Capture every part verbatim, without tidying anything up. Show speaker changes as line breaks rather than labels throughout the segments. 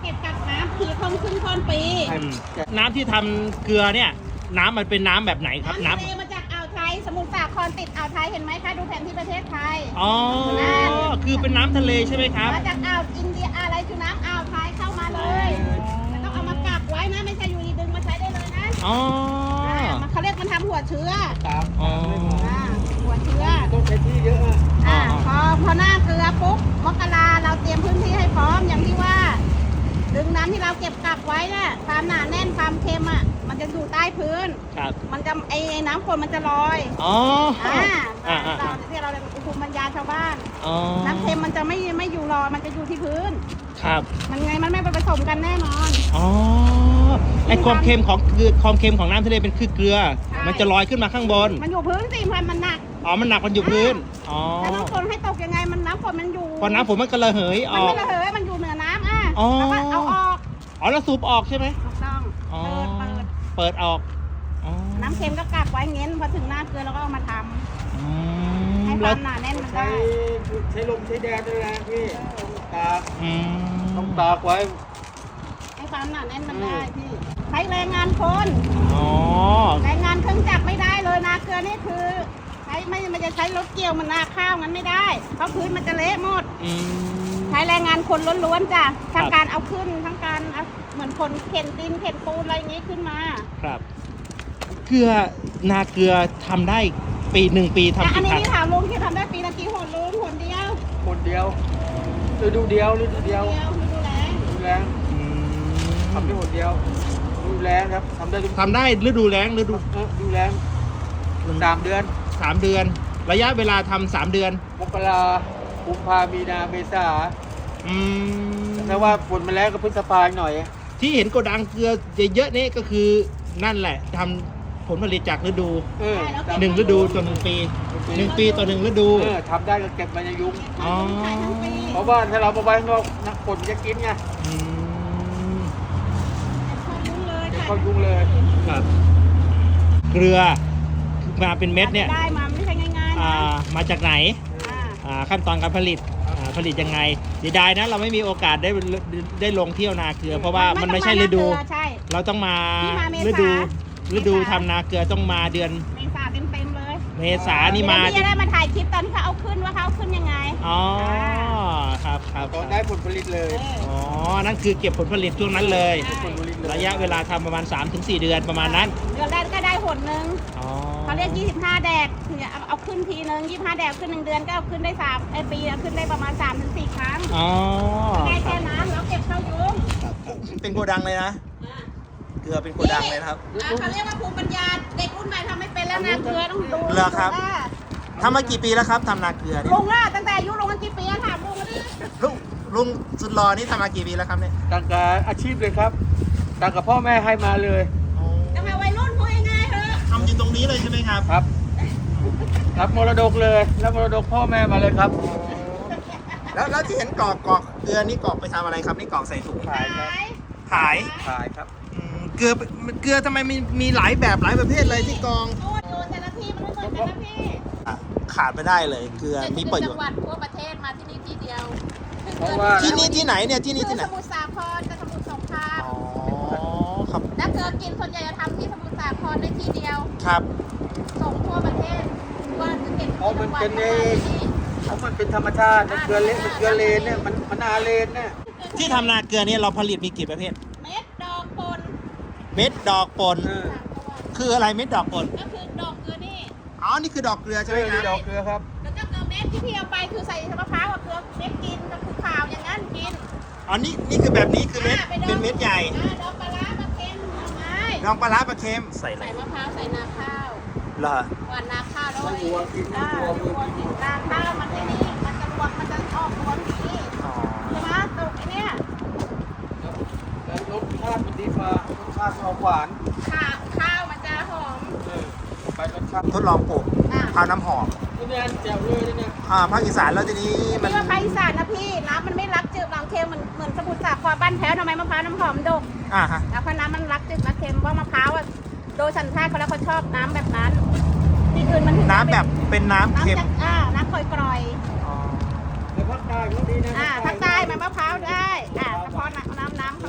เก็บกักน้ำผีคงขึ้นต้นปี
น้ำที่ทำเกลือเนี่ยน้ำมันเป็นน้ำแบบไหนครับ
น้ำ
น้ำ
ทะเลมาจากอ่าวไทยสมุทรสาครติดอ่าวไทยเห็นไหมคะดูแผนที่ประเทศไทย
อ๋อคือเป็นน้ำทะเลใช่ไหมครับ
มาจากอ่าวอินเดียอะไรคือน้ำอ่าวไทยเข้ามาเลยมันต้องเอามากักไว้นะไม่ใช่อยู่ดีดึงมาใช้ได้เลยนะ
อ๋อ
มันเขาเรียกมันทำหัวเชื้อ
ครับ
อ๋อ
อ่าหัวเชื้อ
ต้องใช้ที่เยอะอะ
อ่าพอพอหน้าเกลือปุ๊บมกราเราเตรียมพื้นที่ให้พร้อมอย่างที่ว่าดึงน้ำที่เราเก็บกักไว้น่ะความหนาแน่นความเค็มอ่ะมันจะอยู่ใต้พื้น
ครับ
มันจะไอ้น้ำฝนมันจะลอย
อ๋อ
อ่า
อ่าอ่า
เราที่เราเรียกภูมิปัญญาชาวบ้าน
อ๋อ
น้ำเค็มมันจะไม่ไม่อยู่ลอยมันจะอยู่ที่พื้น
ครับ
มันไงมันไม่ไปผสมกันแน่นอน
อ๋อไอความเค็มของเกลือความเค็มของน้ำทะเลเป็นคือเกลือ
ใช่
มันจะลอยขึ้นมาข้างบน
มันอยู่พื้นสิพันมันหนัก
อ๋อมันหนักมันอยู่พื้นอ๋อ
แล้วน้ำฝนให้ตกยังไงมันน้ำฝนมันอยู่
พอน้ำฝนมันก็ระเหยอ
มัน
อก
ไม่ระเหยมันอยู่เหนือน้ำอ่ะ
อ๋อ
แล้วก็เอาออก
อ๋อแล้วสูบออกใช่ไหม
ถูกต้อง
อ๋อ
เปิดเปิด
เปิดออกอ๋อ
น้ำเค็มก็กักไว้เงี้ยพอถึงหน้าเกลือเราก็เอามาท
อื
ำ
ม
ให้ค
แล้ว
าว มหนาแน่นมัน
ใช้
ได้
ใช้ลมใช้แดดด้วยนะพี่ตาก
อืม
ต้องตากไว้
ให้ความหนาแน่นมันได้พี่ใช้แรงงานคน
อ๋อ
แรงงานเครื่องจักรไม่ได้เลยนาเกลือนี่คือใช้ไม่มันจะใช้รถเกี่ยวมันนาข้าวงั้นไม่ได้เพราะพื้นมันจะเละหมด
อืม
ใช้แรงงานคนล้วนๆจ้ะ
ครั
ทั้
บ
งการเอาขึ้นทั้งการเอาเหมือนคนเข็นดินเข็นปูนอะไรอย่างงี้ขึ้นมา
ครับ เกลือนาเกลือทำได้ปีหนึ่งปี
แต่
ทำ
อัน
กี่
นี้
ครั้ง
ที่ถามลุงที่ทำได้ปีละกี่หนลุงหนเดียว
คนเดียวฤดูเดียวฤดูเดียว
เดียวไม่ดูแล
ดูแล
อืม
ทำได้หมดเดียวดูแลครับทำได้ทุก
ทำได้ฤดูแล้งฤดู
เออดูแลสามเดือน
สามเดือน ระยะเวลาทำสามเดือน
มกรากุมภามีนาเมษา
อืม
ถ้าว่าฝนมาแล้วก็พฤษภาหน่อย
ที่เห็นโกดังเกลือเยอะๆนี่ก็คือนั่นแหละทำผลผลิตจากฤดู
เออ
หนึ่งฤดูต่อหนึ่งปีหนึ่งปีต่อหนึ่งฤดู
เออทำได้ก็เก็บมันจะยุ่ง
อ๋อ
ขายทั้งปี
เพราะว่าถ้าเรามาไว้ข้างนอกนักฝนจะกินไง
อืม
เข้ายุ่งเลย
จะ
ค่ะ
เข้ายุ่งเลย
ครับ เกลือมาเป็นเม็ดเนี่ย
ได้มาไม่ใช่ง่ายๆ
อ่า
นะ
มาจากไหน
อ่า
อ่าขั้นตอนการผลิตอ่าผลิตยังไงเสียดายนะเราไม่มีโอกาสได้ได้ลงเที่ยวนาเกลือ เพราะว่ามันไม่ใช่ฤดู
ต้องมาหน้าเกลือใช่
เราต้องมา
ที่มาเมษา
ฤดูฤดู
เมษา
ทำนาเกลือต้องมาเดือน
เมษาเต็มๆเลย
เมษานี่มา
เดี๋ยวพี่จะได้มาถ่ายคลิปตอนที่เขาเอาขึ้นว่าเขาเอาขึ้นยังไง
อ๋อครับครับ
ตอนได้ผลผลิตเลย
เออ
อ๋อนั่นคือเก็บผลผลิตช่วงนั้นเลย
ใช่
ผลผลิตเลย
ระยะเวลาทำประมาณ สามถึงสี่ เดือนประมาณนั้น
เดือนแรกก็ได้หนหนึ่ง
อ๋อ
เขาเรียกยี่สิบห้าแดกเนี่ยเอาเอาขึ้นทีนึงยี่สิบห้าแดกขึ้นหนึ่งเดือนก็เอาขึ้นได้สามไอปีเอาขึ้นได้ประมาณสามถึงสี่ครั้ง
อ๋อ
ได้แค่นั้นแล้วเก็บเข้ายุ้ง
เป็นโกดังเลยนะ เกลือเป็นโกดังเลยนะครับ
อ่าเขาเรียกว่าภูมิปัญญาเด็กรุ่นใหม่ทำไม่เป็นแล้วนะเกลือต้องดู
เหรอครับ
อ่า
ทำมากี่ปีแล้วครับทำนาเกลือเนี่ย
ลุงล่ะตั้งแต่อายุลุงกันกี่ปีอะถามลุงกันดิ
ลุงลุงสุดหล่อนี่ทำมากี่ปีแล้วครับเนี่ย
ต่างกับอาชีพเลยครับต่างกับพ่อแม่ให้มาเลย
ตั้งแต่วัยรุ่นพูดง่ายๆเถอะ
ทำอยู่ตรงนี้เลยใช่ไหมครับ
ครับรับมรดกเลยรับมรดกพ่อแม่มาเลยครับ
แล้วแล้วที่เห็นกรอกกรอกเกลือนี่กรอกไปทำอะไรครับนี่กรอกใส่ถุง
ขายครับ
ขาย
ขายครับ
อืมเกลือเกลือทำไมมีมีหลายแบบหลายประเภทเลยที่กรอง
โอ้โหแต่ละที่มันไม่เหมือนกันนะพี่
ขาดไม่ได้เลยเกลือมีประโยช
จัง
น์
หวัดทั่วประเทศมาที่นี่ที่เดียว
เพราะว่า
ที่นี่ที่ไหนเนี่ยที่นี่ที่ไหน
คือสมุทรสาครกับสมุทรสงคราม
อ๋อครับ
แล้วเกลือกินส่วนใหญ่จะทำที่สมุทรสาครในที่เดียว
ครับ
ส่งทั่วประเทศว่าจะเก็บ
เพราะมันเป็นเอ
ที่
งเพราะมันเป็นธรรมชาติมันเกลือเละมันเกลือเลนเนี่ยมันมันอาเลนเนี่ย
ที่ทำนาเกลือเนี่ยเราผลิตมีกี่ประเภท
เม็ดดอกปน
เม็ดดอกปน
เออ
สามตัว
คืออะไรเม็ดดอกปน
ก็คือดอกเกลือนี่
อ๋อนี่คือดอกเกลือใช่
เอ
ไหม
อ
ค
นี่ด
รั
อบ กเกลือครับ
แล้วก็เกลือเม็ดที่พี่เอาไปคือใส่มะพร้าวกับเกลือเม็ดกินก็คือขาวอย่างนั้นกิน
อ๋อนี่นี่คือแบบนี้คือเม็ด
อ่าไปดอง
เป็นเม็ดใหญ่
อ่าดอกปลาร้าปลาเค็มเอาไม้
ดองปลาร้าปลาเค็มใส่อะไร
ใส่มะพร้าวใส่นาข้าว
เหรอ
หวานนาข้าวแล้ว
มันวัวกิน
อ่า
มันวัว
วัวกินนาข้าวมันไอ้นี่มันจะรวงมันจะออกรวงดี
อ๋อ
ใช่ไหมตกไอ้เนี่ย
แล้วรสชาติมันดีฟ้ารสชาติออกหวาน
ข้าวข้าวมันจะหอม
เออไปรสชาติ
ทดลองปลูก
อ่า
ข้าวน้ำหอม
นี่เนี่ยแจ๋วเลยเนี่ย
อ่าภาคอีสานแล้วทีนี้มัน
นี่ว่าภาคอีสานนะพี่น้ำมันไม่รักจืดรักเค็มเหมือนเหมือนสมุทรสาครบ้านแพ้วทำไมมะพร้าวน้ำหอมดก
อ่าฮะ
แล้วเพราะน้ำมันรักจืดรักเค็มเพราะมะพร้าวอ่ะโดยสัญชาติเขาแล้วเขาชอบน้ำแบบนั้นที่อื่นมันถึง
น้ำแบบเป็นน้ำ
น้ำ
เค็ม
จากอ่าน้ำกร่อย
อ๋อ
แต่ภาคใต้ก็ดีนะ
ๆอ่าภาคใต้มันมะพร้าวได้อ่าเฉพาะน้ำน้ำน้ำ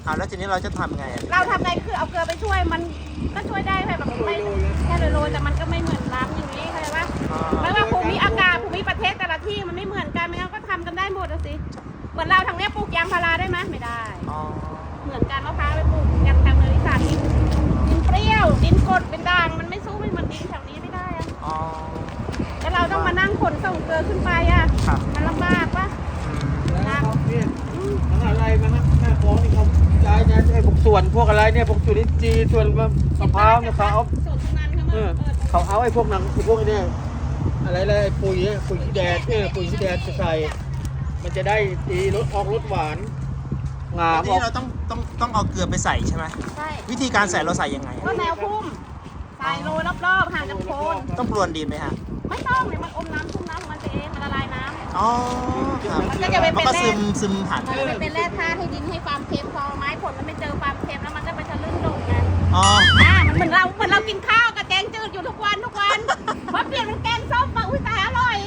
อ่าแล้วทีนี้เราจะทำไงอะ
เราทำไงคือเอาเกลือไปช่วยมันก็ช่วยได้แค่แบบไม่แค่โรยๆแต่มันก็ไม่เหมือนน้ำอย่างนี้เข้าใจปะ
อ๋อ
ไม่ว่าภูมิอากาศภูมิประเทศแต่ละที่มันไม่เหมือนกันไม่งั้นก็ทำกันได้หมดอะสิเหมือนเราทางเนี้ยปลูกยางพาราได้ไหมไม่ได้
อ๋อ
เหมือนกันมะพร้าวไปปลูกยังทางเนยสารดินดินเปรี้ยวดินกรดเป็นด่างมันไม่สู้ไม่เหมือนดินแถวนี้ไม่ได้อะ
อ๋อ
แล้วเราต้องมานั่งขนส่งเกลือขึ้นไปอะ
ครับ
มันลำบากปะ
แล้วเขาเนี่ยมหาลัยมาฮะแม่ฟ้องนี่เขาย้ายนะไอ้พวกส่วนพวกอะไรเนี่ยพวกจุลินทรีย์ส่วนมะพร้าวเนี่ยเขาเอา
ส่วนตรงนั้นเขามา
เออ
เปิด
เขาเอาไอ้พวกหนังไอ้พวกนี้อะไรเลยไอ้ปุ๋ยเนี่ยปุ๋ยขี้แดดเนี่ยปุ๋ยขี้แดดจะใส่มันจะได้ดีรสออกรสหวานงา
แล้ว
ม
ที
ออก
นี้เราต้องต้องต้องเอาเกลือไปใส่ใช่ไหม
ใช่
วิธีการใส่เราใส่ยังไง
ก็
อะ
แนวพุ่มใส่โรยรอบๆห่างจากโคน
ต้องพรวนดินไหมฮะ
ไม่ต้องเลยมันอมน้ำชุ่มน้ำของมันไปเองมันละลายน้ำ
อ๋อครับ
มันก็จะไปเป็น
มันก็
แร่
ซึมซึมผ่าน
มันจะไปเป็นแร่ธาตุให้ดินให้ความเค็มพอไม้ผลมันไม่เจอความเค็มแล้วมันก็ไปทะลึ่งลงไง
อ๋อ
อ่ามันเหมือนเราเหมือนเรากินข้าวกับแกงจืดอยู่ทุกวันทุกวันพอเปลี่ยนเป็นแกงส้มมาอุ้ยตายอร่อย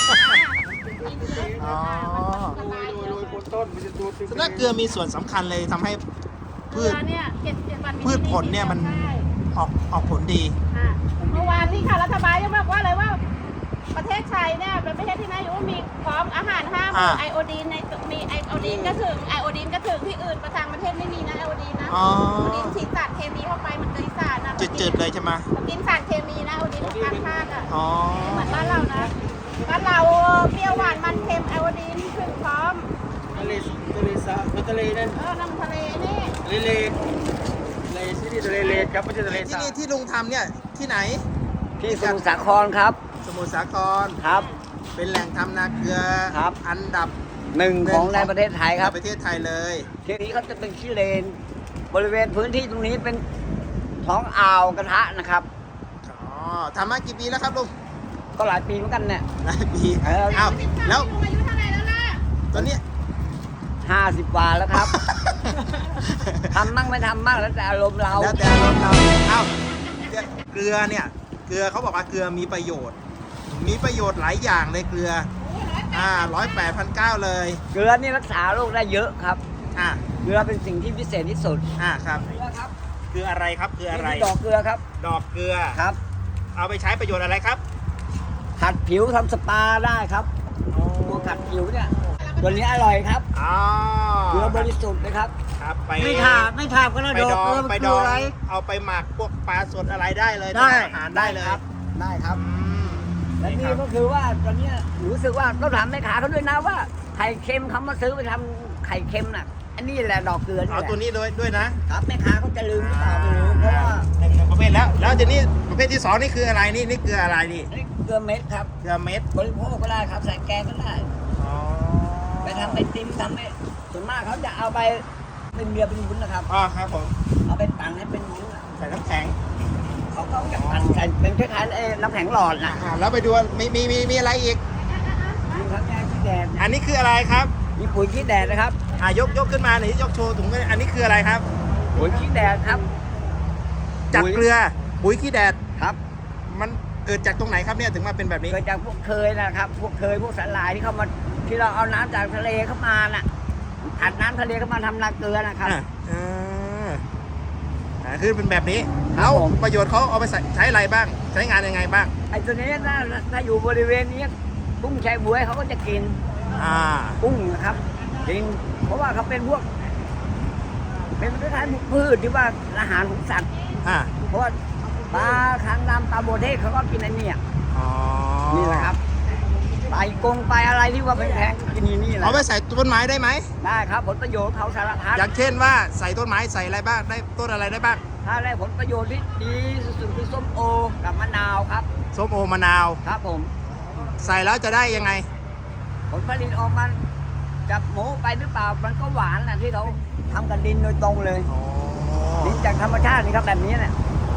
อ๋อ
ละลาย
โร
เย
ย
อะ
ๆบนต้นมันจะตัวติด
ฉะนั้นเกลือมีส่วนสำคัญเลยทำให้
เก
พื
ลื
ช
อเนี่ยเจ็ดเจ็ดวัน
พืชผลเนี่ยมัน
ใช่
ออกออกผลดี
อ่ะเมื่อวานนี้ค่ะรัฐบาลยังบอกว่าอะไรว่า ประเทศไทยเนี่ยเป็นประเทศที่น่าอยู่ว่ามีพร้อมอาหารห้าหมู่
อ่า
ไอโอดีนในมีไอโอดีนก็ถึงไอโอดีนก็ถึงที่อื่นประทางประเทศไม่มีนะไอโอดีนนะ
อ๋อ
ไอโอดีนฉีดสารเคมีเข้าไปมันเกยสารนะ
จืดๆเลยใช่ไหม
มันกินสารเคมีนะไอโอดีนของการภาคอ่ะ
อ๋อ
เหมือนบ้านเรานะบ้านเราเปรี้ยวหวานมันเค็มไอโอดีนถึงพร้อม
ทะเลทะเลสาบทะเลนั่น
เออน้ำทะเลนี่
ทะเลเลททะเลที่นี่ทะเลเลครับไม่ใช่ทะเล
ที่
สาบ
นี่ที่ลุงทำเนี่ยที่ไหน
ที่สมุทรสาครครับ
สมุทรสาคร
ครับ
เป็นแหล่งทำนาเกลือ
ครับ
อันดับ
หนึ่งของในประเทศไทยครับ
ในประเทศไทยเลย
ทีนี้เขาจะเป็นขี้เลน บริเวณพื้นที่ตรงนี้เป็นท้องอ่าวกระทะนะครับ
อ๋อทำมากี่ปีแล้วครับลุง
ก็หลายปีเหมือนกันเนี่ย
หลายปี
เออ
อ้าวแล้ว
ลุงอายุเท่าไหร่แล้วล่ะ
ตอนนี้
ห้าสิบกว่าแล้วครับ ทำมั่งไม่ทำมั่งแล้วแต่อารมณ์เรา
แล้วแต่เราเราเอ้าเกลือเกลือเนี่ย เกลือเขาบอกว่าเกลือมีประโยชน์ มีประโยชน์หลายอย่างเลยเกลือ อ่าร้อยแปดพันเก้าเลย
เกลือนี่รักษาโรคได้เยอะครับ
อ่า
เกลือเป็นสิ่งที่พิเศษที่สุด
อ่าครับ
เกลือครับ
เกลืออะไรครับเกลืออะไร
นี่ดอกเกลือครับ
ดอกเกลือ
ครับ
เอาไปใช้ประโยชน์อะไรครับ
ขัดผิวทำสปาได้ครับตัวขัดผิวเนี่ยตัวนี้อร่อยครับ
อ๋อ
เกลือบริสุทธิ์นะครับ
ครับไป
ไม่ถามไม่ถามก็แล้ว
ไป
ดอก
ดอ
เกลื
ง
อมัน
ไป
คื
ด
อ
อง
อะไร
เอาไปหมักพวกปลาสดอะไรได้เลย
ได้
ทำอาหารได้เลย
ครับ ได้ครับ
อืม
และ
นี่ค
นี่
รับ
ก็คือว่าตอนเนี้ยรู้สึกว่าต้องถามแม่ค้าเขาด้วยนะว่าไข่เค็มเขามาซื้อไปทำไข่เค็มน่ะ อันนี้แหละดอกเกลือนี่
เอา
แหละ
ตัวนี้ด้วยด้วยนะครับ
แม่ค้าเขาจะลืมหรือเปล่าไม่รู้เพราะว่า
หนึ่งประเภทแล้ว แล้วทีนี้ประเภทที่สองนี่คืออะไรนี่นี่เกลืออะไรนี่
นี่เกลือเม็ดครับ
เกลือเม็ด
บริโภคก็ได้ครับใส่แกงก็ได้
อ๋อ
ไปทำไอติมทำไอส่วนมากเขาจะเอาไปเป็นเบียร์เป็นวุ้นนะครับ
อ๋อครับผม
เอาไปปั่นให้เป็นวุ้นอะ
ใส่น้ำแข็ง
เขาก็จะปั่นใส่เป็นคล้ายๆไอ้น้ำแข็งหลอดนะ
อ่าแล้วไปดูมีมีมีมีอะไรอีก
มีทั้งแกงขี้แดด
อันนี้คืออะไรครับ
มีปุ๋ยขี้แดดนะครับ
อ่ายกยกขึ้นมาหน่อยยกโชว์ถุงกันอันนี้คืออะไรครับ
ปุ๋ยขี้แดดครับ
จาก
ปุ๋ย
เกลือปุ๋ยขี้แดด
ครับ
มันเกิดจากตรงไหนครับเนี่ยถึงมาเป็นแบบนี้
เกิดจากพวกเคยนะครับ พวกเคยพวกสาหร่ายที่เขามาที่เราเอาน้ำจากทะเลเข้ามาน่ะอัดน้ำทะเลเข้ามาทำนาเกลือนะครับ
อ่าอ่าอ่าคือเป็นแบบนี้
ครับ
แล้ว
ผม
ประโยชน์เขาเอาไปใส่ใช้อะไรบ้าง ใช้งานยังไงบ้าง
ไอ้ตัวนี้ถ้าถ้าอยู่บริเวณนี้กุ้งแชบวยเขาก็จะกิน
อ่า
กุ้งนะครับกินเพราะว่าเขาเป็นพวก เป็นคล้ายๆพวกพืชที่ว่าอาหารของสัตว์
อ่า
เพราะว่าปลาคางดำปลาโบเทศเขาก็กินไอ้เนี่ย
อ๋อ
นี่แหละครับไปกงไปอะไรที่ว่าแพงๆก็กินนี่นี่แหละ
เอาไปใส่ต้นไม้ได้ไหม
ได้ครับผลประโยชน์เขาสารพัด
อย่างเช่นว่าใส่ต้นไม้ใส่อะไรบ้างได้ต้นอะไรได้บ้าง
ถ้าได้ผลประโยชน์ที่ดีสุดๆคือส้มโอกับมะนาวครับ
ส้มโอมะนาว
ครับผม
ใส่แล้วจะได้ยังไง
ผลผลิตออกมาจับหมูไปหรือเปล่ามันก็หวานนะที่เขาทำกันดินโดยตรงเลย
อ๋อ
ดินจากธรรมชาตินี่ครับแบบนี้เนี่ย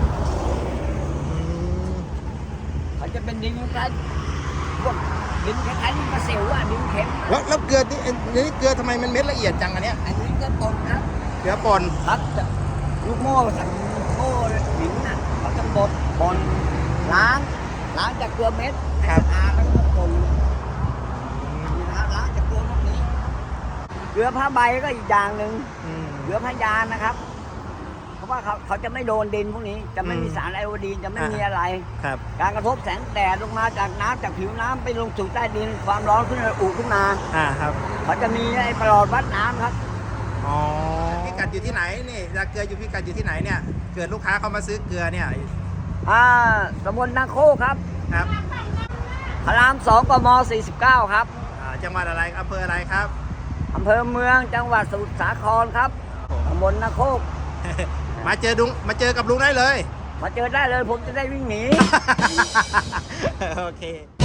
มันจะเป็นดินคล้ายพวกดินคล้ายๆดินกระเซลอะดินเค็ม
แล้วแล้วเกลือนี่อันนี้เกลือทำไมมันเม็ดละเอียดจังอันเนี้ย
อันนี้ก็ปนครับ
เกลือป่น
ครับจะลูกโม่สั่งโม่หินน่ะเขาจะบดปนล้างล้างจากเกลือเม็ดให้สะอาดแล้วก็ปนนี่นะครับล้างจากเกลือพวกนี้เกลือผ้าใบก็อีกอย่างหนึ่ง
อืม
เกลือพยานนะครับ เพราะว่าเขาเขาจะไม่โดนดินพวกนี้ จะไม่มี
อืม
สารไอโอดีนจะไม่
อ่ามี
มีอะไร
ครับ
การกระทบแสงแดดลงมาจากน้ำจากผิวน้ำไปลงสู่ใต้ดิน ความร้อนขึ้นอุขึ้นมา
อ่าครับ
เขาจะมีไอ้ประหลอดวัดน้ำครับ
อ๋อพิกัดอยู่ที่ไหนนี่นาเกลืออยู่พิกัดอยู่ที่ไหนเนี่ยเกิดลูกค้าเขามาซื้อเกลือเนี่ย
อ่าตำบลนาโคกครับ
ครับ
พระรามสองกมสี่สิบเก้าครับ
อ่าจังหวัดอะไรอำเภออะไรครับ
อำเภอเมืองจังหวัดสมุทรสาครครับตำบลนาโคก
มาเจอดุงมาเจอกับลุงได้เลย
มาเจอได้เลยผมจะได้วิ่งหนี
โอเค